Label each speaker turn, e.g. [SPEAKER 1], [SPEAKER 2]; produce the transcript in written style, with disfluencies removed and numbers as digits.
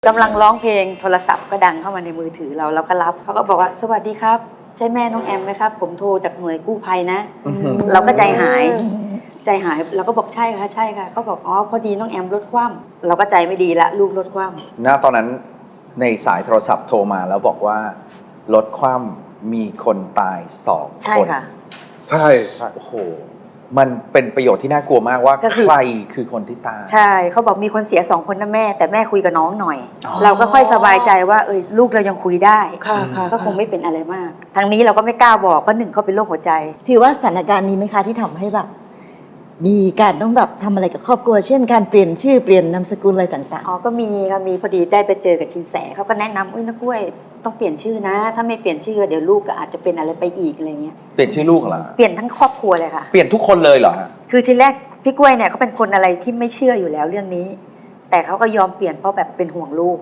[SPEAKER 1] กำลังร้องเพลงโทรศัพท์ก็ดังเข้ามาในมือถือเราก็รับเขาก็บอกว่าสวัสดีครับใช่แม่น้องแอมไหมครับผมโทรจากหน่วยกู้ภัยนะเราก็ใจหายเราก็บอกใช่ค่ะเขาบอกอ๋อพอดีน้องแอมรถคว่ำเราก็ใจไม่ดีละลูกรถคว่ำ
[SPEAKER 2] ณตอนนั้นในสายโทรศัพท์โทรมาแล้วบอกว่ารถคว่ำมีคนตาย2 คน
[SPEAKER 1] ใช่ค่ะ
[SPEAKER 3] ใช่
[SPEAKER 2] โอ้โหมันเป็นประโยชน์ที่น่ากลัวมากว่าใครคือคนที่ตาย
[SPEAKER 1] ใช่เขาบอกมีคนเสีย2 คนนะแม่แต่แม่คุยกับน้องหน่อย
[SPEAKER 2] อ๋อ
[SPEAKER 1] เราก็ค่อยสบายใจว่าลูกเรายังคุยได้
[SPEAKER 3] ค่ะ
[SPEAKER 1] ก็คงไม่เป็นอะไรมากทางนี้เราก็ไม่กล้าบอกเพราะ1เขาเป็นโรคหัวใจ
[SPEAKER 4] ถือว่าสถานการณ์นี้ไหมคะที่ทำให้แบบมีการต้องแบบทำอะไรกับครอบครัวเช่นการเปลี่ยนชื่อเปลี่ยนนามสกุลอะไรต่าง
[SPEAKER 1] อ๋อก็มีค่ะมีพอดีได้ไปเจอกับชินแสเขาก็แนะนำนักกล้วยต้องเปลี่ยนชื่อนะถ้าไม่เปลี่ยนชื่อเดี๋ยวลูกก็อาจจะเป็นอะไรไปอีกอะไรเงี้ย
[SPEAKER 2] เปลี่ยนชื่อลูกเหรอ
[SPEAKER 1] เปลี่ยนทั้งครอบครัวเลยค่ะ
[SPEAKER 2] เปลี่ยนทุกคนเลยเหรอฮะ
[SPEAKER 1] คือทีแรกพี่กล้วยเนี่ยเขาเป็นคนอะไรที่ไม่เชื่ออยู่แล้วเรื่องนี้ แต่เขาก็ยอมเปลี่ยนเพราะแบบเป็นห่วงลูก